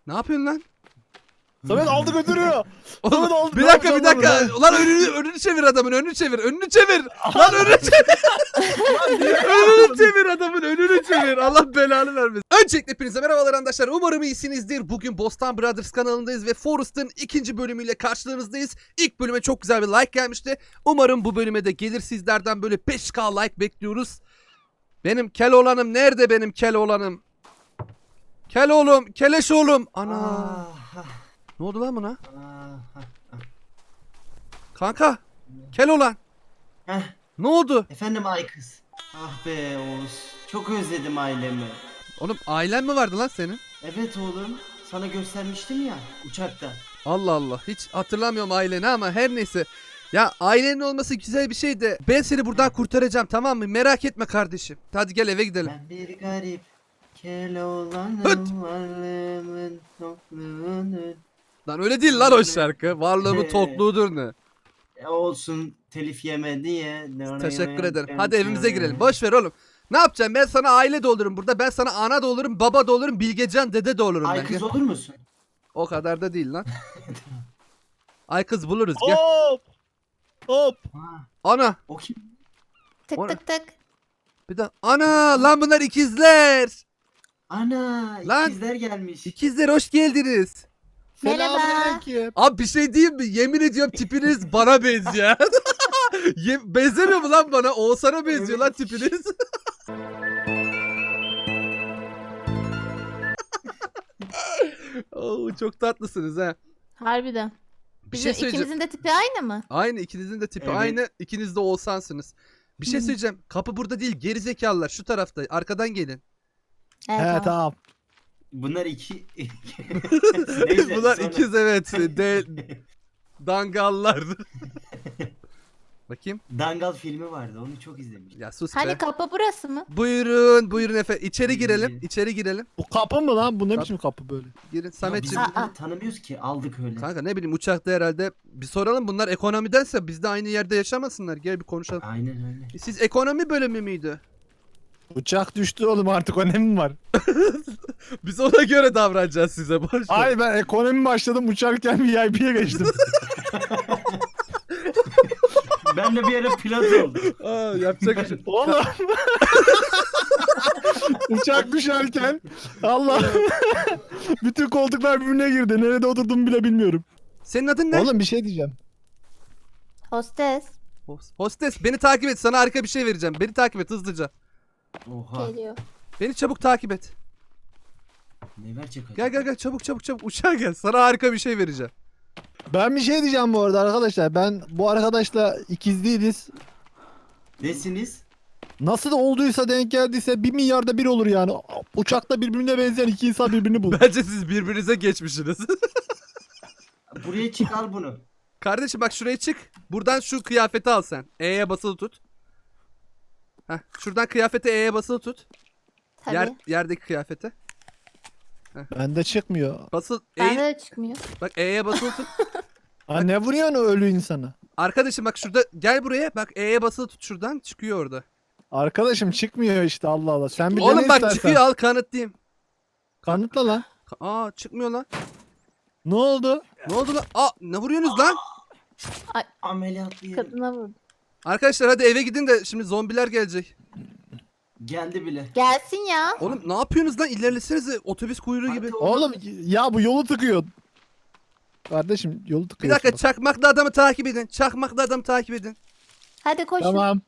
Ne yapıyorsun lan? Samet aldı götürüyor. Oğlum, Samet aldı. bir Ne dakika yapacağım Lan önünü çevir adamın, önünü çevir. Lan önünü çevir. Önünü çevir adamın, önünü çevir. Allah belanı vermesin. Öncelikle hepinize merhabalar arkadaşlar. Umarım iyisinizdir. Bugün Bostan Brothers kanalındayız ve Forest'ın ikinci bölümüyle karşınızdayız. İlk bölüme çok güzel bir like gelmişti. Umarım bu bölüme de gelir, sizlerden böyle 5K like bekliyoruz. Benim Keloğlan'ım nerede benim Keloğlan'ım? Keloğlum, Keleş oğlum. Ana. Ne oldu lan buna? Kanka. Keloğlan. Heh, Ne oldu? efendim ay kız. Ah be Oğuz. Çok özledim ailemi. Oğlum ailen mi vardı lan senin? Evet oğlum. Sana göstermiştim ya uçakta. Allah Allah. Hiç hatırlamıyorum aileni ama her neyse. Ya ailenin olması güzel bir şey de ben seni buradan kurtaracağım, tamam mı? Merak etme kardeşim. Hadi gel eve gidelim. Ben bir garip Keloğlan'ım, Hıt! varlığımın yokluğunu. Lan öyle değil lan o şarkı. Varlığımı tokluğudur ne? Olsun telif yeme diye. Teşekkür ederim. Hadi evimize girelim. Boş ver oğlum. Ne yapacağım? Ben sana aile de olurum burada. Ben sana ana da olurum, baba da olurum, Bilgecan dede de olurum Ay ben. kız Gel. olur musun? O kadar da değil lan. Ay kız buluruz gel. Hop. Hop. Ha, Ana. o kim? Tık O ne? tık tık. Bir de ana lan bunlar ikizler. Ana Lan. ikizler gelmiş. İkizler hoş geldiniz. Merhaba. Selamünaleyküm. Abi bir şey diyeyim mi? Yemin ediyorum tipiniz bana benziyor. Benzemiyor mu lan bana? Oğuzhan'a benziyor lan Evet. tipiniz. Oo, çok tatlısınız ha. Harbiden. Bir Bizim şey söyleyeceğim. ikimizin de tipi aynı mı? Aynı, ikinizin de tipi Evet. aynı. İkiniz de Oğuzhan'sınız. Bir şey Hı. söyleyeceğim. Kapı burada değil. Gerizekalılar şu tarafta. Arkadan gelin. Evet, He tamam. tamam. Bunlar iki. Neyse, Bunlar sonra- ikiz evet. Dangallar. Bakayım. Dangal filmi vardı onu çok izlemiştim. Ya sus Hani be. kapı burası mı? Buyurun efendim. İçeri girelim. İçeri girelim. Bu kapı mı lan? Bu ne biçim kapı böyle? Girin. Ya biz Sametciğim. bunları tanımıyoruz ki aldık öyle. Kanka ne bileyim uçakta herhalde. Bir soralım, bunlar ekonomidense biz de aynı yerde yaşamasınlar. Gel bir konuşalım. Aynen öyle. Siz ekonomi bölümü müydü? Uçak düştü oğlum, artık önemi var. Biz ona göre davranacağız size. Boş ver. Ay ben ekonomi başladım, uçarken VIP'ye geçtim. Ben de bir ara pilot oldum. Aa, yapacak bir şey. Oğlum. Uçak düşerken Allah. Bütün koltuklar birbirine girdi. Nerede oturduğumu bile bilmiyorum. Senin adın ne? Oğlum bir şey diyeceğim. Hostes. Hostes beni takip et, sana harika bir şey vereceğim. Beni takip et hızlıca. Oha. Geliyor. Beni çabuk takip et. Ne verecek acaba? Gel çabuk uçağa gel. Sana harika bir şey vereceğim. Ben bir şey diyeceğim bu arada arkadaşlar. Ben bu arkadaşla ikiz değiliz. Nesiniz? Nasıl olduysa, denk geldiyse 1 milyarda bir olur yani. Uçakta birbirine benzeyen iki insan birbirini bulur. Bence siz birbirinize geçmişsiniz. Buraya çık al bunu. Kardeşim bak şuraya çık. Buradan şu kıyafeti al sen. E'ye basılı tut. Heh, şuradan kıyafeti E'ye basılı tut. Tabii. Yerdeki kıyafeti. Bende çıkmıyor. Basıl Bende de çıkmıyor. Bak E'ye basılı tut. Ha, ne vuruyorsun o ölü insanı? Arkadaşım bak şurada gel buraya. Bak E'ye basılı tut, şuradan çıkıyor orada. Arkadaşım çıkmıyor işte, Allah Allah. Sen bir Oğlum dene bak istersen. çıkıyor, al kanıtlayayım. Kanıtla lan. Aa çıkmıyor lan. Ne oldu? Ne oldu lan? Aa ne vuruyorsunuz lan? Ameliyatlı Kadına vurdu. Arkadaşlar hadi eve gidin de şimdi zombiler gelecek. geldi bile. Gelsin ya. Oğlum ne yapıyorsunuz lan? İlerlesenize, otobüs kuyruğu gibi. Hadi Oğlum ya bu yolu tıkıyor. Kardeşim yolu Bir tıkıyor. dakika, çakmaklı adamı takip edin. Çakmaklı adamı takip edin. Hadi koşun. Tamam.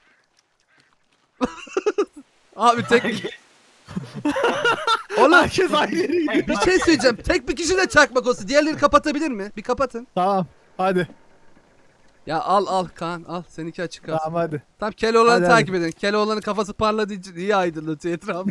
Abi tek... Oğlum Herkes aynı yere gidiyor. bir şey söyleyeceğim. Tek bir kişi de çakmak olsun. Diğerleri kapatabilir mi? Bir kapatın. Tamam. Hadi. Ya al Kaan al. Seninki açık kalsın. Tamam hadi. Tamam Keloğlan'ı Hadi, takip edin. Keloğlan'ın kafası parladığı için iyi aydınlatıyor etrafı.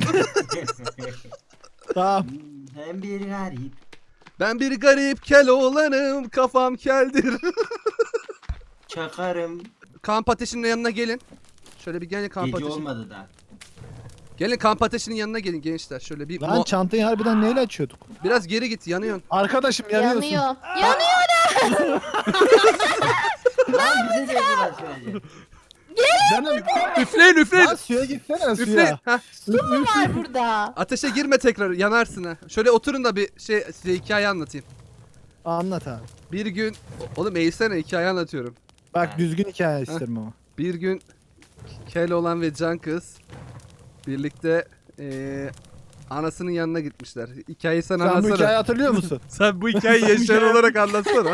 Tamam. Ben bir garip. Ben bir garip Keloğlan'ım. Kafam keldir. Çakarım. Kamp ateşinin yanına gelin. Şöyle bir gelin kamp Gece ateşi. olmadı da. Gelin kamp ateşinin yanına gelin gençler. Şöyle bir Lan çantayı harbiden neyle açıyorduk? biraz geri git, yanıyorsun. Arkadaşım yanıyorsun. Yanıyor. Yanıyor. Lan bize de yazılar söyleyecek. Canım. Üfleyin üfleyin. Lan suya gitsene Üfleyin. suya. Heh. Var burada. Ateşe girme tekrar yanarsın ha. Şöyle oturun da bir şey size hikaye anlatayım. Anlat abi. Bir gün oğlum eğilsene hikaye anlatıyorum. Bak düzgün hikaye isterim ama. Bir gün Keloğlan ve Can kız birlikte anasının yanına gitmişler. Hikayeyi sen Sen bu anlatsana. hikayeyi hatırlıyor musun? Sen bu hikayeyi yaşayan olarak anlatsana.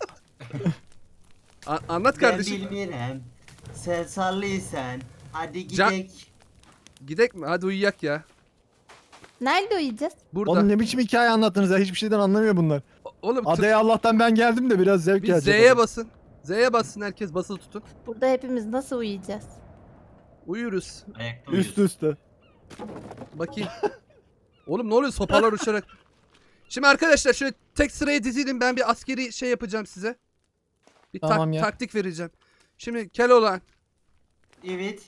Anlat Ben kardeşim. bilmiyorum. Sen sallıysan. Hadi Can- gidek. Gidek mi? Hadi uyuyak ya. Nerede uyuyacağız? Burada. Oğlum ne biçim hikaye anlattınız ya? Hiçbir şeyden anlamıyor bunlar. Oğlum Adaya Allah'tan ben geldim de biraz zevk bir gelecek. Z'ye basın. Z'ye bassın herkes basılı tutun. Burada hepimiz nasıl uyuyacağız? Uyuruz. Ayakta Üst uyuyorsun. üste. Bakayım. Oğlum ne oluyor sopalar uçarak. Şimdi arkadaşlar şöyle tek sıraya dizilin, ben bir askeri şey yapacağım size. Bir Tamam ya. taktik vereceğim. Şimdi Keloğlan Evet.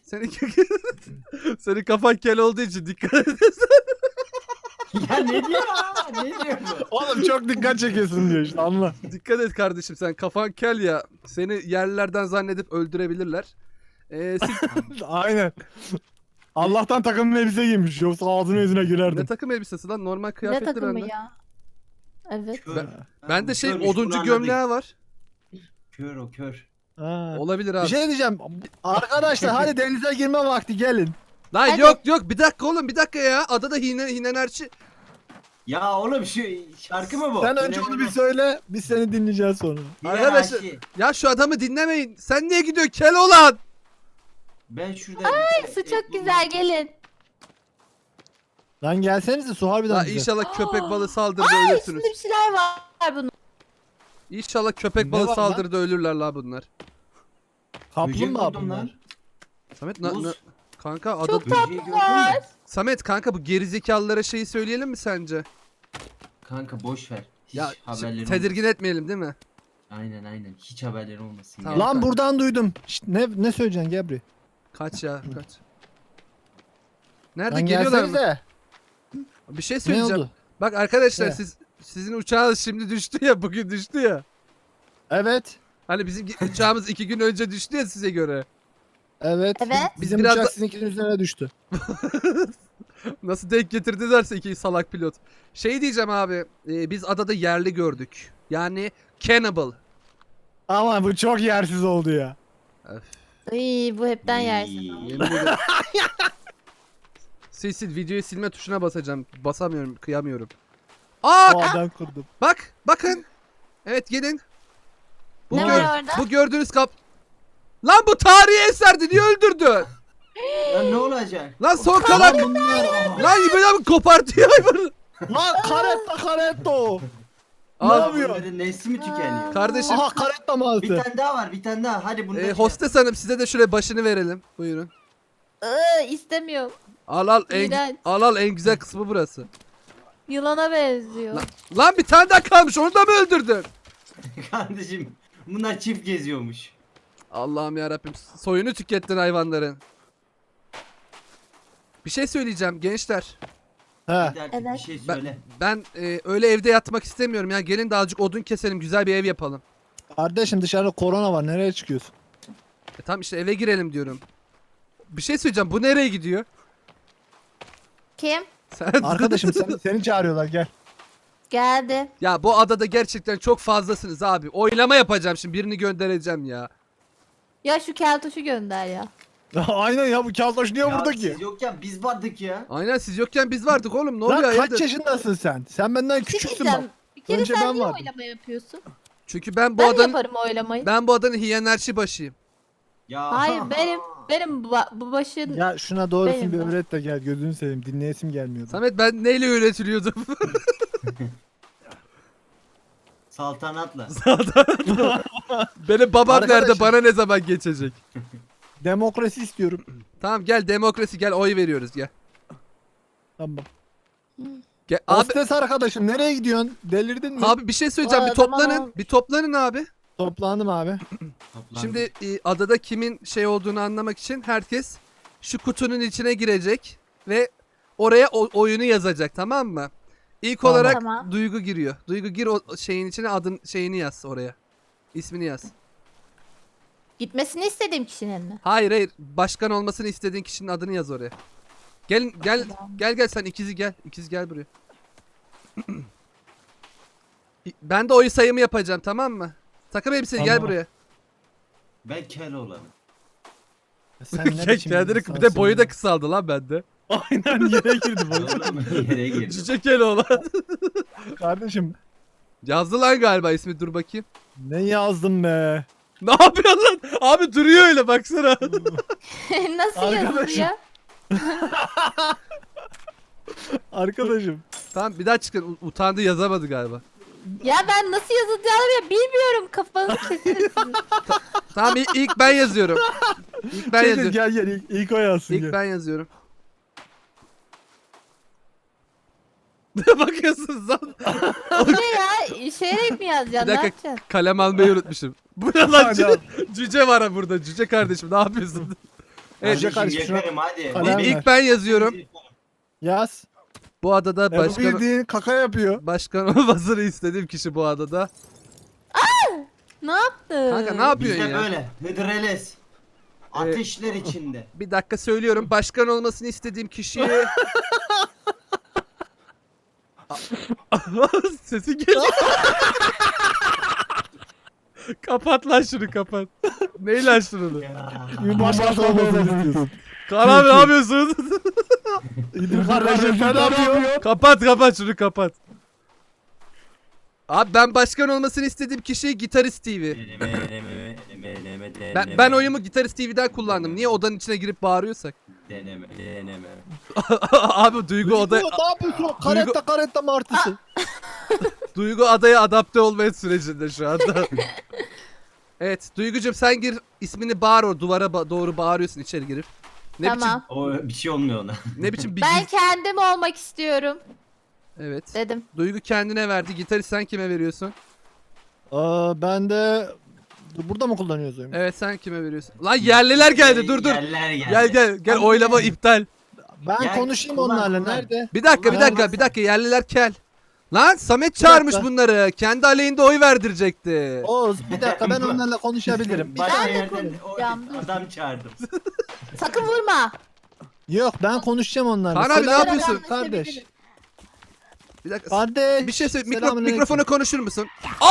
senin kafan kel olduğu için dikkat et. Ya ne diyor ha? Ne diyor bu? Oğlum çok dikkat çekiyorsun diyor işte anla. Dikkat et kardeşim, sen kafan kel ya. Seni yerlilerden zannedip öldürebilirler. Siz Aynen. Allah'tan takım elbise giymiş yoksa ağzına yüzüne ne girerdim. takım elbisesi lan, normal Ne kıyafetli takımı bende. ya? Evet. Kör. Ben de Bu şey körmüş, bunu oduncu anladık. gömleği var. Kör o kör. Ha. Olabilir Bir abi. şey diyeceğim. Arkadaşlar hadi denize girme vakti gelin. Lan Hadi. yok bir dakika oğlum, bir dakika ya. Adada hinenerçi. Ya oğlum şu şarkı mı bu? Sen önce onu bir söyle biz seni dinleyeceğiz sonra. Arkadaşlar- Ya şu adamı dinlemeyin. Sen niye gidiyorsun Keloğlan? Ben şurada... Su çok güzel gelin. Lan gelsenize su harbiden La güzel. inşallah köpek balığı saldırıda Ay ölürsünüz. şimdi bir şeyler var bunun. İnşallah köpek Ne balığı var lan? saldırıda ölürler la bunlar. Kaplumbağa buldum bunlar. lan. Samet Buz. kanka ada Çok Böceği gördün mü? tatlılar. Samet kanka bu gerizekalılara şeyi söyleyelim mi sence? Kanka boş ver. Hiç Ya haberleri tedirgin etmeyelim değil mi? olmasın. Aynen. Hiç haberleri olmasın. Tamam. ya. Lan buradan duydum. Şşt, ne söyleyeceksin Gebri? Kaç ya kaç. Nerede Lan geliyorlar mı? gelsenize. Bir şey Ne söyleyeceğim. oldu? Bak arkadaşlar Ne? sizin uçağınız şimdi düştü ya, bugün düştü ya. Evet. Hani bizim uçağımız 2 gün önce düştü ya size göre. Evet. Evet. Bizim biraz uçak da- sizinkinin üzerine düştü. Nasıl denk getirdilerse iki salak pilot. Şey diyeceğim abi, biz adada yerli gördük. Yani cannibal. Ama bu çok yersiz oldu ya. Öf, Ay bu hepten yersin. yemin ederim. Sil videoyu silme tuşuna basacağım. Basamıyorum, kıyamıyorum. Aa O adam kurdum. bakın. Evet gelin. Bu, Ne var orada? bu gördüğünüz Lan bu tarihi eserdi, niye öldürdün? Lan ne olacak? Lan son kalan. Lan İbrahim kopartıyor hayvanı. Lan karetta o. Ne Al. yapıyor? Bunların nesli mi tükeniyor? Kardeşim Aha karetta Bir mağazı. tane daha var, bir tane daha. Hadi bunu da hostes hanım, size de şöyle başını verelim. Buyurun. İstemiyorum. Al İğrenç. en güzel kısmı burası. Yılana benziyor. Lan bir tane daha kalmış, onu da mı öldürdün? Kardeşim bunlar çift geziyormuş. Allah'ım ya Rabbim, soyunu tükettin hayvanların. Bir şey söyleyeceğim gençler. He. Hadi artık Evet. bir şey Ben, söyle. ben öyle evde yatmak istemiyorum ya. Gelin de azıcık odun keselim, güzel bir ev yapalım. Kardeşim dışarıda korona var. Nereye çıkıyorsun? Tamam işte eve girelim diyorum. Bir şey söyleyeceğim, bu nereye gidiyor? Kim? Sen Arkadaşım seni çağırıyorlar gel. Geldi. Ya bu adada gerçekten çok fazlasınız abi. Oylama yapacağım şimdi, birini göndereceğim ya. Ya şu keltoşu gönder ya. Aynen ya bu kaltaş niye burada ki? Siz yokken biz vardık ya. Aynen, siz yokken biz vardık oğlum, ne Lan oluyor kaç hayırdır? yaşındasın sen? Sen benden Bir şey küçüksün diyeceğim. bak. Bir kere Önce sen ben niye vardım. oylama yapıyorsun? Çünkü ben bu Ben adanın yaparım oylamayı. ben bu adanın hiyenerşi başıyım. Ya. Hayır benim bu başın... Ya şuna doğrusunu Benim bir ben. öğret de gel gözünü seveyim dinleyesim gelmiyordu. Samet, ben neyle yönetiliyordum? Saltanatla. Benim babam nerede, Arkadaşım. bana ne zaman geçecek? Demokrasi istiyorum. Tamam gel, demokrasi, gel oy veriyoruz, gel. Tamam. Gel abi, Hostes arkadaşım nereye gidiyorsun? Delirdin mi? abi bir şey söyleyeceğim, bir Tamam, toplanın, tamam. bir toplanın abi. Toplandım abi. Toplandı. Şimdi adada kimin şey olduğunu anlamak için herkes şu kutunun içine girecek ve oraya oyunu yazacak, tamam mı? İlk Tamam. olarak Tamam. Duygu giriyor. Duygu gir o şeyin içine, adın şeyini yaz oraya. İsmini yaz. Gitmesini istediğim kişinin mi? Hayır hayır. Başkan olmasını istediğin kişinin adını yaz oraya. Gel sen ikizi gel. İkiz gel buraya. Ben de oy sayımı yapacağım, tamam mı? Takım elbiseli gel Tamam. buraya. Ben kel olanım. Sen ne biçim Kendini bir de insansın boyu ya? da kısaldı lan bende. Aynen yere girdi boyu. Oğlum yere girdim. Cüce Keloğlan. Kardeşim Yazdı lan galiba ismi, dur bakayım. ne yazdın be? Ne yapıyorsun lan? Abi duruyor öyle baksana. Nasıl Arkadaşım. yazılıyor? Arkadaşım. Tamam bir daha çıkın. Utandı, yazamadı galiba. Ya ben nasıl yazılacağını bile bilmiyorum. Kafanızı keserim sizin. Tamam ilk ben yazıyorum. İlk ben Şey, yazıyorum. gel ilk o yazsın İlk gel. ben yazıyorum. Ne bakıyorsunuz lan? Bu ne ya? İşeyerek mi yazacaksın? Bir Ne dakika. yapacaksın? Kalem almayı unutmuşum. Bu ne lan? Hadi al. Cüce var ha burada. Cüce kardeşim ne yapıyorsun? Evet, Cüce Kardeşim kardeşim, yakarım hadi. kalem ver. İlk ben yazıyorum. Yaz. Bu adada Bu başkan bildiğin kaka yapıyor. olmasını istediğim kişi bu adada. Ne yaptın? Kanka ne Biz yapıyorsun de ya? böyle hıdrellez. Ateşler içinde. Bir dakika söylüyorum. Başkan olmasını istediğim kişi. Sesin geliyor. Kapat lan şunu, kapat. Neyle açtın onu? Bir başkası olmasını istiyorsun. Kaan abi ne yapıyorsun? İdir kardeşim sen ne yapıyorsun? kapat şunu, kapat. Abi ben başkan olmasını istediğim kişi Gitarist TV. Ben oyumu Gitarist TV'den kullandım. Niye odanın içine girip bağırıyorsak? Deneme. Abi Duygu Ne yapıyorsun? Karetta martısı. Duygu adaya adapte olmaya sürecinde şu anda. Evet Duygucum sen gir, ismini bağır, o duvara doğru bağırıyorsun içeri girip. Ne Tamam. O bir şey olmuyor ona. biçim ne biçim bir Ben kendim olmak istiyorum Evet. dedim. Duygu kendine verdi. Gitarist sen kime veriyorsun? Ben de burada mı kullanıyoruz oyunu? Evet sen kime veriyorsun? Lan yerliler geldi, dur. Yerler geldi. Gel oylama iptal. Ben Gel, konuşayım kullan, onlarla. kullan. Nerede? Bir dakika yerliler kel. Lan Samet çağırmış dakika. bunları. Kendi aleyhinde oy verdirecekti. Oğuz bir dakika ben onlarla konuşabilirim. Başka Ben de yerden konuşacağım, dur. adam çağırdım. Sakın vurma. Yok ben konuşacağım onlarla. Kaan abi, ne Selam yapıyorsun? Kardeş. Bir dakika. Kardeş. Bir şey söyle. selamünaleyküm. Mikrofona konuşur musun?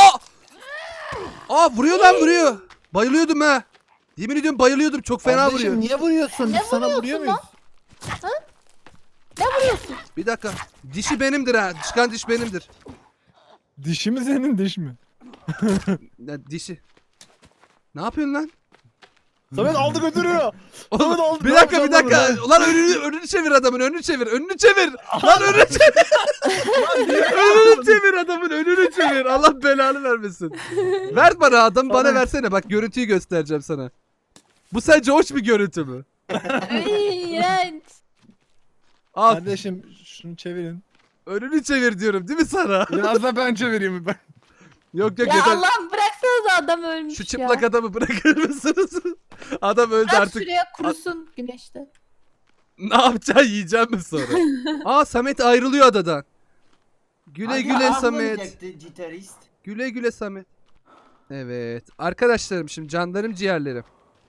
Aa vuruyor lan, vuruyor. Bayılıyordum ha. Yemin ediyorum bayılıyordum. Çok fena Kardeşim, vuruyor. niye vuruyorsun? Ne Biz sana vuruyorsun vuruyor lan? muyuz? Ne vuruyorsun? Bir dakika. Dişi benimdir ha. Çıkan diş benimdir. Dişi mi senin diş mi? Ya, dişi. Ne yapıyorsun lan? Samet aldı götürüyor. Oğlum, Samet aldı. bir ne dakika yapacaksın lan? Ulan önünü çevir adamın, önünü çevir. Lan önünü çevir. Önünü çevir adamın, önünü çevir. Allah belanı vermesin. Ver bana adam, bana Samet. versene. Bak görüntüyü göstereceğim sana. Bu sence hoş bir görüntü mü? İğrenç. Al, Kardeşim şunu çevirin. önünü çevir diyorum değil mi sana? Biraz da ben çevireyim ben. Yok Ya yeter. Allah'ım bıraksanıza adam ölmüş Şu ya. çıplak adamı bırakır mısınız? Adam öldü Bırak artık. şuraya kurusun güneşte. Ne yapacaksın, yiyeceğim mi sonra? Aa Samet ayrılıyor adadan. Güle Hadi, güle ah Samet. olacaktı Gitarist. Güle güle Samet. Evet. Arkadaşlarım, şimdi canlarım ciğerlerim.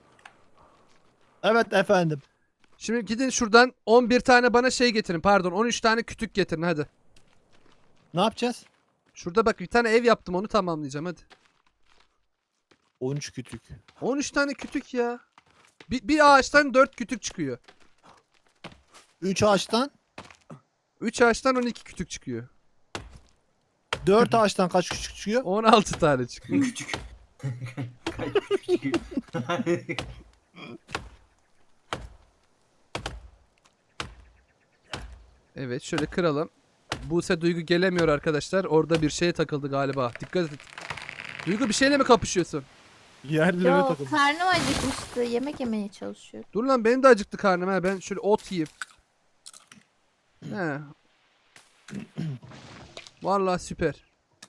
Evet efendim. Şimdi gidin şuradan 11 tane bana şey getirin. Pardon 13 tane kütük getirin hadi. Ne yapacağız? Şurada bak bir tane ev yaptım, onu tamamlayacağım hadi. 13 kütük. 13 tane kütük ya. Bir ağaçtan 4 kütük çıkıyor. 3 ağaçtan 3 ağaçtan 12 kütük çıkıyor. 4 ağaçtan kaç küçük çıkıyor? 16 tane çıkıyor. Küçük. Küçük. Evet şöyle kıralım. Buse Duygu gelemiyor arkadaşlar. Orada bir şeye takıldı galiba. Dikkat et. Duygu bir şeyle mi kapışıyorsun? Yerlere Yok takıldı. karnım acıkmıştı. Yemek yemeye çalışıyorum. Dur lan, benim de acıktı karnım ha. Ben şöyle ot yiyeyim. He. Vallahi süper.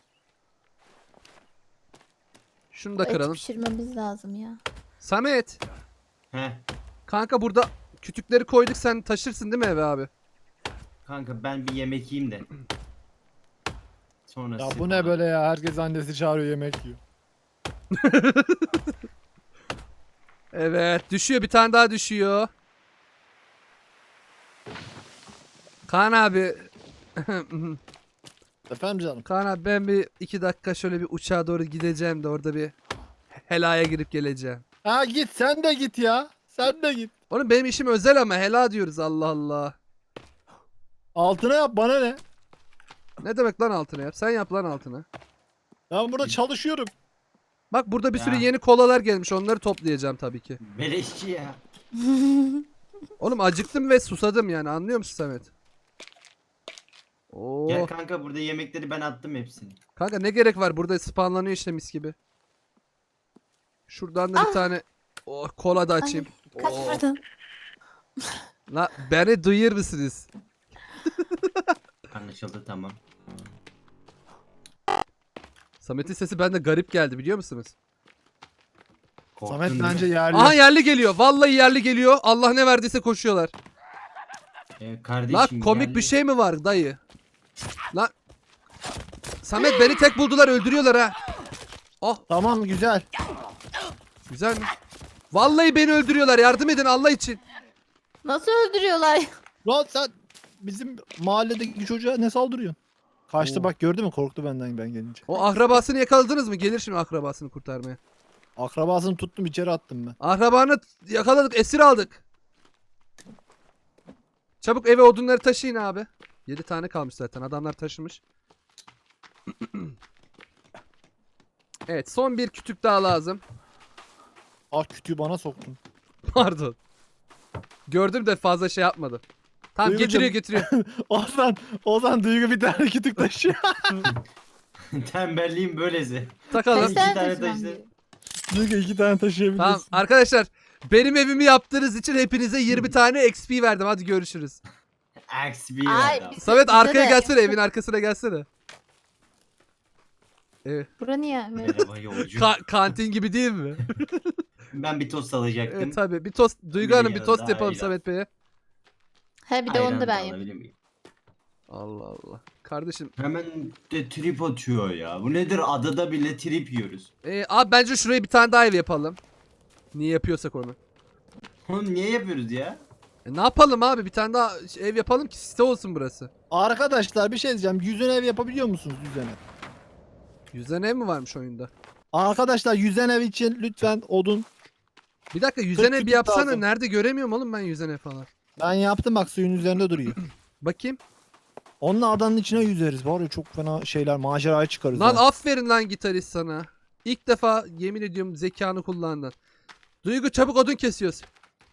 Şunu da Bu eti kıralım. pişirmemiz lazım ya. Samet. Heh. Kanka burada kütükleri koyduk, sen taşırsın değil mi eve abi? Kanka ben bir yemek yiyeyim de. Sonra Ya siz- bu ne böyle ya? Herkes annesi çağırıyor yemek yiyor. Evet düşüyor, bir tane daha düşüyor. Kaan abi. Efendim canım. Kaan abi ben bir 2 dakika şöyle bir uçağa doğru gideceğim de orada bir helaya girip geleceğim. Ha git sen de git ya. Sen de git. Oğlum benim işim özel ama hela diyoruz, Allah Allah. Altına yap bana ne? Ne demek lan altına yap? Sen yap lan altına. Ben burada çalışıyorum. Bak burada bir sürü Ya. yeni kolalar gelmiş, onları toplayacağım tabii ki. Beleşçi ya. Oğlum acıktım ve susadım yani, anlıyor musun Samet? Oo. Gel kanka, burada yemekleri ben attım hepsini. Kanka ne gerek var, burada spawnlanıyor işte mis gibi. Şuradan da bir tane kola da açayım. Kaç Oo. vurdun? La beni duyuyor musunuz? Anlaşıldı, tamam. Samet'in sesi bende garip geldi, biliyor musunuz? Korktun Samet değil bence mi? yerli. Aha yerli geliyor. Vallahi yerli geliyor. Allah ne verdiyse koşuyorlar. Kardeşim La komik geldi. bir şey mi var dayı? La Samet beni tek buldular, öldürüyorlar ha. Oh Tamam güzel. güzel mi? Vallahi beni öldürüyorlar, yardım edin Allah için. Nasıl öldürüyorlar? Lan sen bizim mahalledeki çocuğa ne saldırıyorsun? Kaçtı Oo. bak, gördü mü? Korktu benden ben gelince. O akrabasını yakaladınız mı? Gelir şimdi akrabasını kurtarmaya. Akrabasını tuttum, içeri attım ben. Akrabanı yakaladık, esir aldık. Çabuk eve odunları taşıyın abi. 7 tane kalmış zaten, adamlar taşımış. Evet, son bir kütük daha lazım. Ah, kütüğü bana soktun. Pardon. Gördüm de fazla şey yapmadım. Tamam Duygucuğum. getiriyor. Ozan Duygu bir tane kütük taşıyor. Tembelliğin böylesi. Takalım. Kaç Kaç tane tane taşıdı. taşımam gerekiyor? Duygu 2 tane taşıyabilirsin. Tamam arkadaşlar, benim evimi yaptığınız için hepinize 20 tane XP verdim. Hadi görüşürüz. Axe bir Ay, adam. Samet Bize arkaya de. gelsene, evin arkasına gelsene. Evet. Bura niye? Merhaba yolcu. Kantin gibi değil mi? Ben bir tost alacaktım. Evet tabii. Bir tost, Duygu Bir Hanım bir tost yanında yapalım ayran. Samet Bey'e. He bir de onu Ayran da ben da yapayım. alabilir miyim? Allah Allah. Kardeşim. Hemen de trip atıyor ya. Bu nedir? Adada bile trip yiyoruz. Abi bence şuraya bir tane daha ev yapalım. Niye yapıyorsak onu. Oğlum niye yapıyoruz ya? Ne yapalım abi, bir tane daha ev yapalım ki site olsun burası. Arkadaşlar bir şey diyeceğim. Yüzen ev yapabiliyor musunuz yüzen ev? Yüzen ev mi varmış oyunda? Arkadaşlar yüzen ev için lütfen odun. Bir dakika, yüzen ev bir kütük yapsana. lazım. Nerede göremiyorum oğlum ben yüzen ev falan. Ben yaptım bak, suyun üzerinde duruyor. Bakayım. Onunla adanın içine yüzeriz. Var ya çok fena şeyler, maceraya çıkarız. Lan ha. aferin lan gitarist sana. İlk defa yemin ediyorum zekanı kullandın. Duygu çabuk odun kesiyoruz.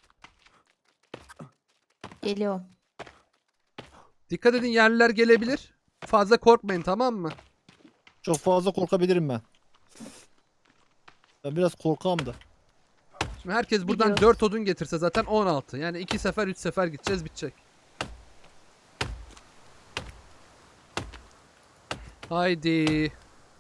Geliyorum. Dikkat edin, yerliler gelebilir. Fazla korkmayın, tamam mı? Çok fazla korkabilirim ben. Ben biraz korkağım da. Şimdi herkes buradan Biliyoruz. 4 odun getirse zaten 16. Yani 2 sefer 3 sefer gideceğiz, bitecek. Haydi.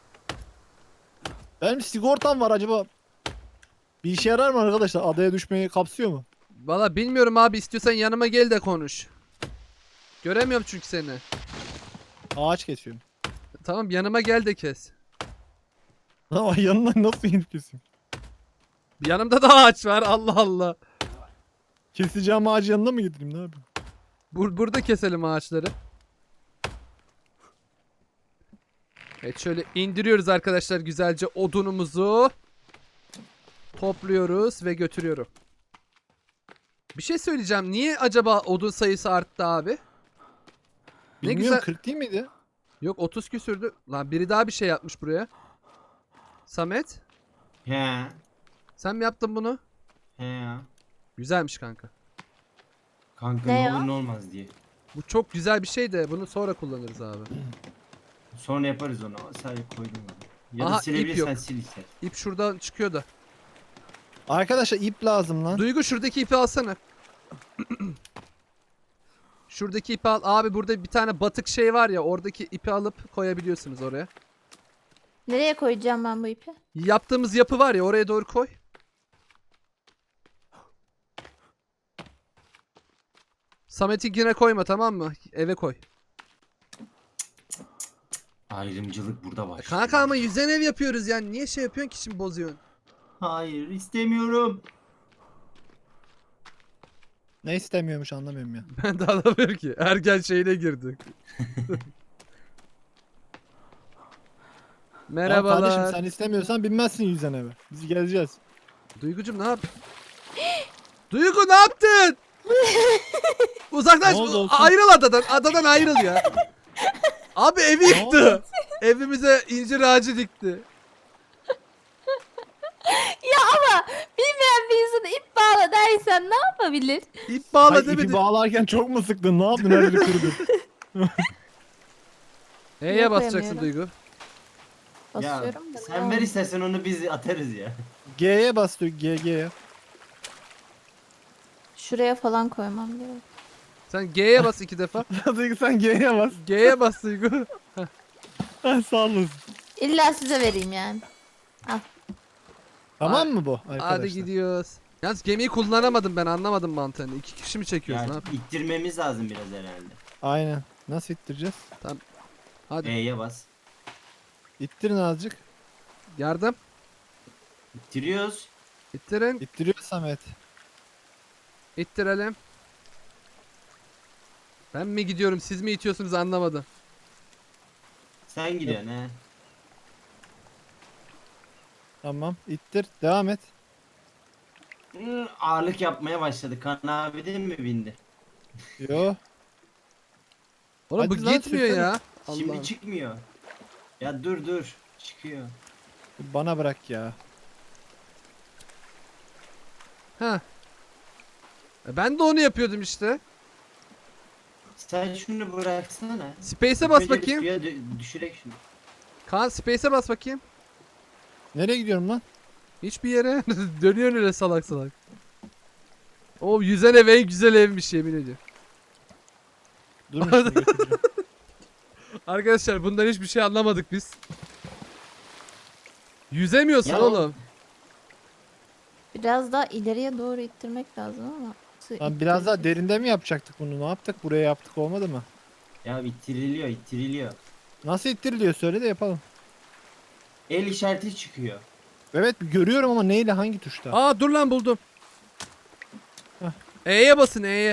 Benim sigortam var, acaba bir işe yarar mı arkadaşlar? Adaya düşmeyi kapsıyor mu? Valla bilmiyorum abi, istiyorsan yanıma gel de konuş. Göremiyorum çünkü seni. Ağaç kesiyorum. Tamam yanıma gel de kes. Ama yanına nasıl inip keseyim? Yanımda da ağaç var, Allah Allah. Keseceğim ağacı yanına mı getireyim, ne yapayım? Burada keselim ağaçları. Evet şöyle indiriyoruz arkadaşlar güzelce odunumuzu. Topluyoruz ve götürüyorum. Bir şey söyleyeceğim. Niye acaba odun sayısı arttı abi? Ne Bilmiyorum, güzel. 40 değil miydi? Yok 30 küsürdü. Lan biri daha bir şey yapmış buraya. Samet, He. sen mi yaptın bunu? He ya. Güzelmiş kanka. Kanka Ne ne ya? olur ne olmaz diye. Bu çok güzel bir şey de bunu sonra kullanırız abi. Sonra yaparız onu. Sadece koydum onu. Ya Aha, da ip silebilirsen yok. sil ister. İp şuradan çıkıyor da. Arkadaşlar ip lazım lan. Duygu şuradaki ipi alsana. Şuradaki ipi al. Abi burada bir tane batık şey var ya, oradaki ipi alıp koyabiliyorsunuz oraya. Nereye koyacağım ben bu ipi? Yaptığımız yapı var ya, oraya doğru koy. Samet'inkine koyma, tamam mı? Eve koy. Ayrımcılık burada başlıyor. Kanka ama yüzen ev yapıyoruz yani. Niye şey yapıyorsun ki şimdi, bozuyorsun? Hayır istemiyorum. Ne istemiyormuş anlamıyorum ya. Ben de anlamıyorum ki. Ergen şeyine girdik. Ya Merhabalar. kardeşim sen istemiyorsan binmezsin yüzden eve. Biz geleceğiz. Duygucum ne yap? Duygu ne yaptın? Uzaklaş. Ne oldu olsun? Ayrıl adadan. Adadan ayrıl ya. Abi evi Ne yıktı. Evimize incir ağacı dikti. Ya ama bilmeyen bir insana ip bağla dersen ne yapabilir? İp bağla Ay, demedi. ipi bağlarken çok mu sıktın? Ne yaptın? Her yeri kırdın. E'ye basacaksın Yapamıyorum. Duygu. Ya Basıyorum da. sen ver istersen onu biz atarız ya. G'ye bas diyor. G'ye. Şuraya falan koymam gerek. Sen G'ye bas 2 defa. Duygu sen G'ye bas. G'ye bas Duygu. Ha, sağ olasın. İlla size vereyim yani. Tamam mı bu arkadaşlar? Hadi gidiyoruz. Yalnız gemiyi kullanamadım ben, anlamadım mantığını. 2 kişi mi çekiyoruz, ne Ya yapayım? ittirmemiz lazım biraz herhalde. Aynen. Nasıl ittireceğiz? Hadi E'ye bas. İttirin azıcık. yardım. İttiriyoruz. İttirin. İttiriyor Samet. İttirelim. Ben mi gidiyorum, siz mi itiyorsunuz anlamadım. Sen gidiyorsun he. Tamam. İttir. Devam et. Ağırlık yapmaya başladı. Kan abi değil mi bindi? Yo. Oğlum Hadi bu lan, gitmiyor sürsene. ya. Şimdi Allah'ım. çıkmıyor. Ya dur. Çıkıyor. Bana bırak ya. Ha. Ben de onu yapıyordum işte. Sen şunu bıraksana. Space'e bas İlk önce bir bakayım. suya düşürek şunu. Kaan Space'e bas bakayım. Nereye gidiyorum lan? Hiçbir yere. Dönüyorsun öyle salak salak. O yüzen ev en güzel evmiş yemin ediyorum. Durun şimdi götüreceğim. Arkadaşlar bundan hiçbir şey anlamadık biz. Yüzemiyorsun Ya oğlum. Biraz daha ileriye doğru ittirmek lazım ama. Lan biraz daha derinde mi yapacaktık bunu? Ne yaptık? Buraya yaptık olmadı mı? Ya ittiriliyor. Nasıl ittiriliyor? Söyle de yapalım. El işareti çıkıyor. Evet görüyorum ama neyle hangi tuşta? Aa dur lan buldum. Heh. E'ye basın E'ye.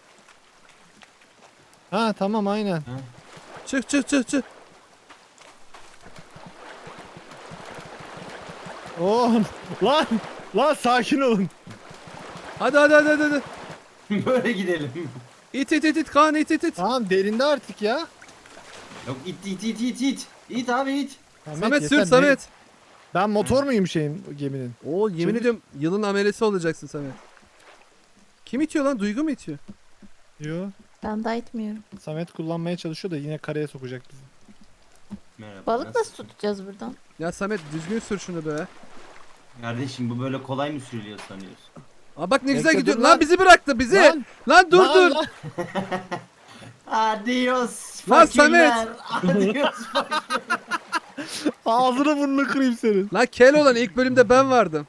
Ha tamam aynen. Çık çık çık çık. Oh lan sakin olun. Hadi. Böyle gidelim. İt Kaan it. Tamam derinde artık ya. Yok it. İt abi it. Samet sür yeter, Samet. Ben motor muyum şeyin geminin? Oo yemin Çevir. ediyorum yılın amelesi olacaksın Samet. Kim itiyor lan? Duygu mu itiyor? Yo. Ben daha itmiyorum. Samet kullanmaya çalışıyor da yine kareye sokacak bizi. Merhaba. Balık nasıl tutacağız buradan? Ya Samet düzgün sür şunu be. Kardeşim bu böyle kolay mı sürülüyor sanıyorsun? Aa bak ne güzel Bekle, gidiyor. dur Lan lan. bizi bıraktı bizi. Lan, Lan, dur lan, dur. lan. Adios Lan fakirler. Adios. Ağzını burnunu kırayım senin. Lan kel olan ilk bölümde ben vardım.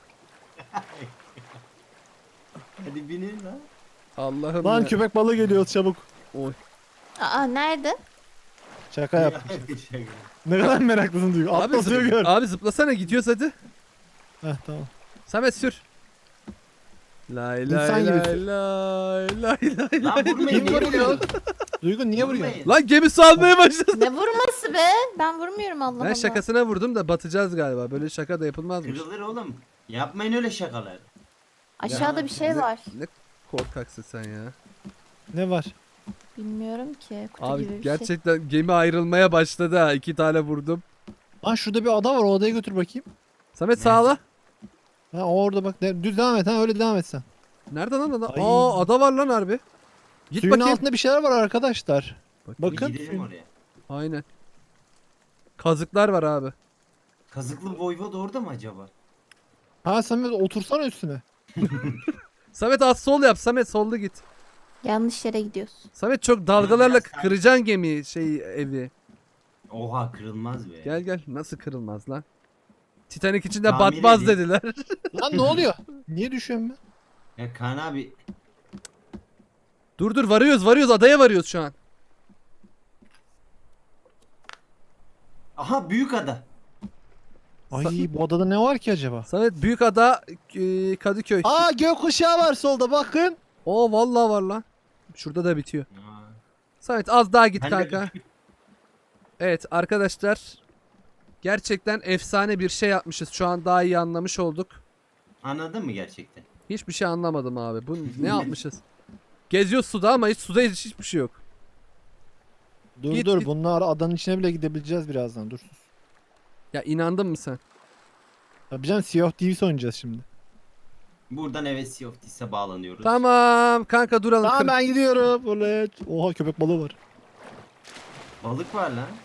Hadi binin lan. Allah'ım Lan ya. köpek balığı geliyor çabuk. Oy. Aa nerede? Şaka yaptım. Ne kadar meraklısın Duygu. Abi, Atlasıyor gör. abi zıplasana gidiyoruz hadi. Heh tamam. Samet sür. Lay İnsan lay gibi lay sür. lay. Lan vurmayın. Kim niye vuruyor? vuruyorsun? Duygu niye vuruyor? Vurmayın. Lan gemi salmaya başladı. Ne vurması be? Ben vurmuyorum Allah Ben Allah. şakasına vurdum da batacağız galiba. Böyle şaka da yapılmazmış. Kırılır oğlum. Yapmayın öyle şakalar. Aşağıda Ya, bir şey ne- var. Ne korkaksın sen ya. Ne var? Bilmiyorum ki. Kutu Abi gibi bir şey. gerçekten gemi ayrılmaya başladı ha. 2 tane vurdum. Lan şurada bir ada var, o adaya götür bakayım. Samet Ne? sağla. Ha orada bak. Düz devam et ha, öyle devam et sen. Nerede lan ada? Ay. Aa ada var lan harbi. Git Suyun bakayım. altında bir şeyler var arkadaşlar. Bakın. Bir gidelim oraya. Aynen. Kazıklar var abi. Kazıklı Voivod orada mı acaba? Ha Samet otursana üstüne. Samet az sol yap. Samet sollu git. Yanlış yere gidiyorsun. Samet çok dalgalarla Biraz kıracaksın gemiyi evi. Oha kırılmaz be. Gel nasıl kırılmaz lan? Titanic içinde Tamir batmaz edeyim. dediler. Lan ne oluyor? Niye düşüyorum ben? Ya Kaan abi. dur varıyoruz adaya varıyoruz şu an. Aha büyük ada. Ay bu adada ne var ki acaba? Samet büyük ada Kadıköy. Aa gökkuşağı var solda bakın. Oo vallahi var lan. Şurada da bitiyor. Aa, Samet az daha git ben de- kanka. Evet arkadaşlar. Gerçekten efsane bir şey yapmışız. Şu an daha iyi anlamış olduk. Anladın mı gerçekten? Hiçbir şey anlamadım abi. Bu ne yapmışız? Geziyoruz suda ama suda hiçbir şey yok. Dur Git, dur git. bunlar adanın içine bile gidebileceğiz birazdan dur. Ya inandın mı sen? Tabii canım Sea of Thieves oynayacağız şimdi. Buradan evet Sea of Thieves'e bağlanıyoruz. Tamam kanka duralım. Tamam ben gidiyorum. Oley. Oha köpek balığı var. Balık var lan.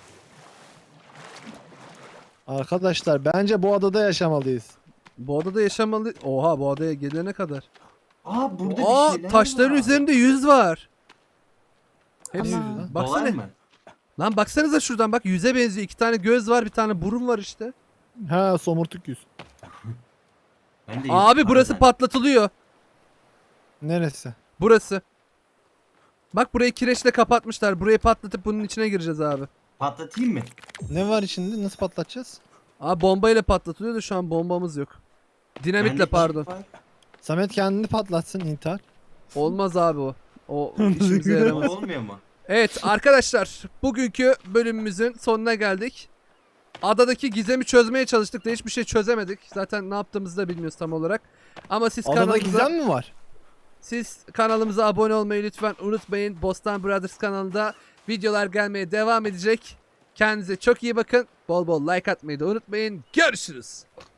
Arkadaşlar bence bu adada yaşamalıyız. Bu adada yaşamalı. Oha bu adaya gelene kadar. Aa burada Aa bir şeyler taşların var. üzerinde yüz var. Hepsi. Ana. Dolar Baksana. mı? Lan baksanıza şuradan bak yüze benziyor. 2 tane göz var, bir tane burun var işte. Ha somurtuk yüz. Ben de Abi yüz burası var patlatılıyor. Neresi? Burası. Bak burayı kireçle kapatmışlar. Burayı patlatıp bunun içine gireceğiz abi. Patlatayım mı? Ne var içinde? Nasıl patlatacağız? Abi bombayla patlatılıyor da şu an bombamız yok. Dinamitle Bende pardon. çip var. Samet kendini patlatsın intihar. Olmaz abi o. O işimize yaramaz. Olmuyor mu? Evet arkadaşlar bugünkü bölümümüzün sonuna geldik. Adadaki gizemi çözmeye çalıştık da hiçbir şey çözemedik. Zaten ne yaptığımızı da bilmiyoruz tam olarak. Ama siz Adada kanalımıza, gizem mi var? siz kanalımıza abone olmayı lütfen unutmayın. Bostan Brothers kanalında videolar gelmeye devam edecek. Kendinize çok iyi bakın. Bol bol like atmayı da unutmayın. Görüşürüz.